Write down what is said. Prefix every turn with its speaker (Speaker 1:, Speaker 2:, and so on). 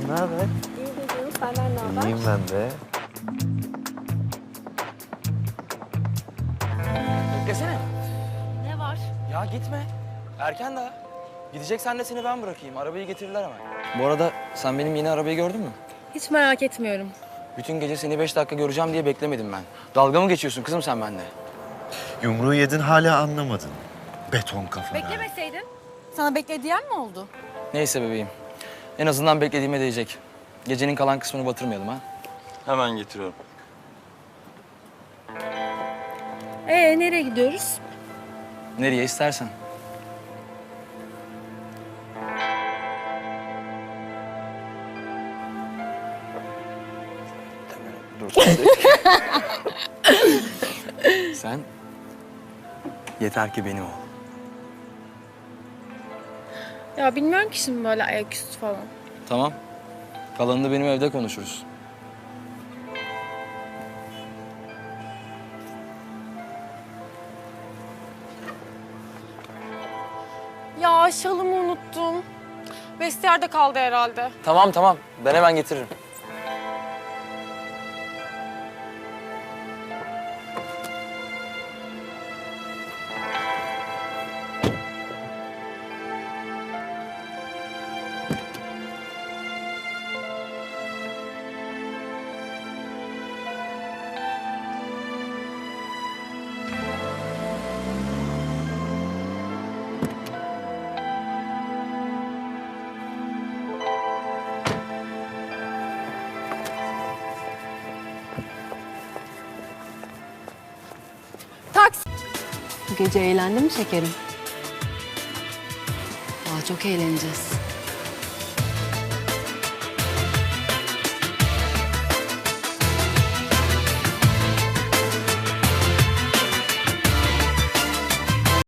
Speaker 1: Canım ne haber?
Speaker 2: İyi canım, senden ne haber?
Speaker 1: İyiyim ben de.
Speaker 3: Beklesene.
Speaker 2: Ne var?
Speaker 3: Ya gitme. Erken daha. Gideceksen de seni ben bırakayım. Arabayı getirirler hemen. Bu arada sen benim yeni arabayı gördün mü?
Speaker 2: Hiç merak etmiyorum.
Speaker 3: Bütün gece seni 5 dakika göreceğim diye beklemedim ben. Dalga mı geçiyorsun kızım sen benimle?
Speaker 1: Yumruğu yedin hala anlamadın. Beton kafana.
Speaker 2: Beklemeseydin. Sana bekle diyen mi oldu?
Speaker 3: Neyse bebeğim. En azından beklediğime değecek. Gecenin kalan kısmını batırmayalım ha.
Speaker 4: Hemen getiriyorum.
Speaker 2: Nereye gidiyoruz?
Speaker 3: Nereye istersen. Dur. Sen yeter ki benim ol.
Speaker 2: Ya bilmiyorum ki şimdi böyle ayaküstü falan.
Speaker 3: Tamam. Kalanını benim evde konuşuruz.
Speaker 2: Ya şalımı unuttum. Vestiyerde kaldı herhalde.
Speaker 3: Tamam. Ben hemen getiririm.
Speaker 2: Taksi.
Speaker 5: Bu gece eğlendin mi şekerim? Daha çok eğleneceğiz.